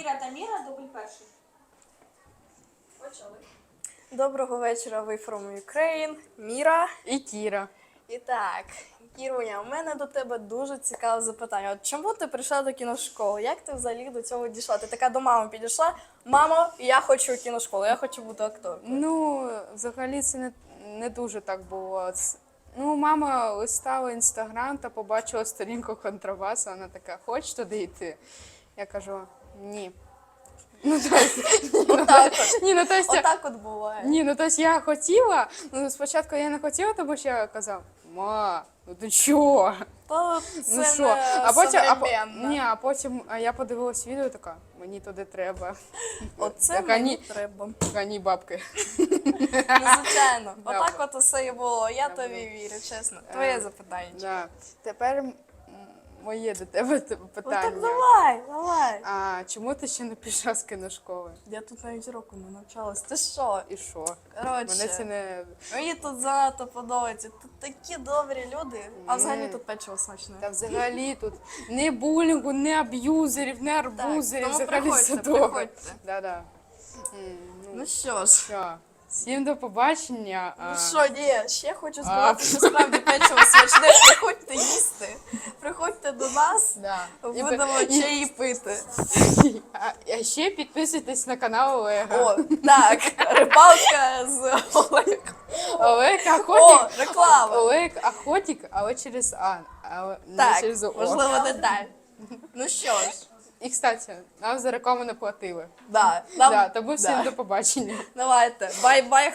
Кіра та Міра, дубль перший. Почали. Доброго вечора, ви from Ukraine, Міра. І Кіра. І так, Кіруня, у мене до тебе дуже цікаве запитання. От чому ти прийшла до кіношколи? Як ти взагалі до цього дійшла? Ти така до мами підійшла: мамо, я хочу кіношколу, я хочу бути акторкою. Ну, взагалі це не дуже так було. Ну, мама листала інстаграм та побачила сторінку контрабасу, вона така: хочеш туди йти? Я кажу: ні. Ну, Отак от буває. Ні, ну тобто я хотіла, ну спочатку я не хотіла, тому що я казав: ма, ну ти чого? То це Ну що? не современно. А потім я подивилась відео, така: мені туди треба. Оце Так, мені треба. Гані бабки. Ну, звичайно. Отак от усе і було. Я тобі вірю, чесно. Твоє запитання. Да. Тепер моє до тебе питання. Так давай. А чому ти ще не пішла з кіношколи? Я тут навіть року не навчалась. Ти що? І що? Коротше, Мене це не... мені тут занадто подобається. Тут такі добрі люди. А взагалі тут печиво смачне. Та взагалі тут не булінгу, не аб'юзерів, не арбузерів, тому взагалі все приходьте, добре. приходьте. Да. Ну що ж. Що? Всім до побачення. Ну що, ні, ще хочу сказати, що справді печиво смачне. Приходьте їсти. Приходьте до нас, Да. будемо чаї пити. А ще підписуйтесь на канал Олега. О, так, рибалка з Олегом. Олег О, Охотік. реклама. Олег Охотік, але через А, але не Так, через О. можливо, деталь. Ну що ж, І, кстати, нам за рекламу не платили. да, Да, тому всім да. до побачення. Давайте, бай-бай.